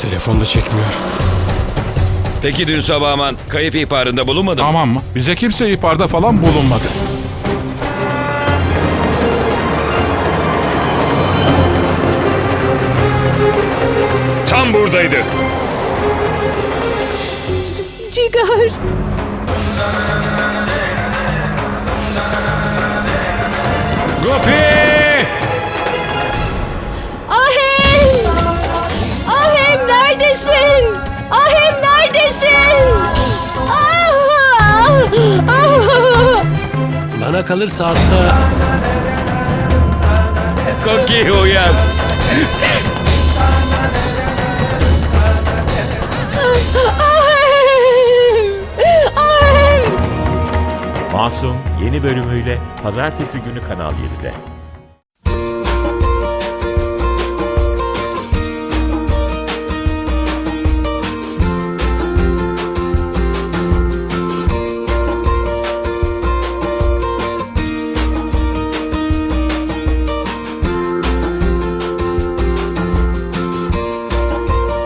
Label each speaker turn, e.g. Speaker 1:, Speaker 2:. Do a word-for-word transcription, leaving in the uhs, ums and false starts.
Speaker 1: Telefon da çekmiyor.
Speaker 2: Peki dün sabah aman kayıp ihbarında bulunmadı mı?
Speaker 3: Tamam mı? Bize kimse ihbarda falan bulunmadı.
Speaker 4: Tam buradaydı.
Speaker 5: Cigar.
Speaker 3: Gopi!
Speaker 5: Ahem! Ahem neredesin? Ahem neredesin? Ah! Ah!
Speaker 1: Bana kalırsa hasta...
Speaker 2: Koki uyan.
Speaker 5: Ahem! Ahem!
Speaker 6: Masum yeni bölümüyle Pazartesi günü Kanal yedide.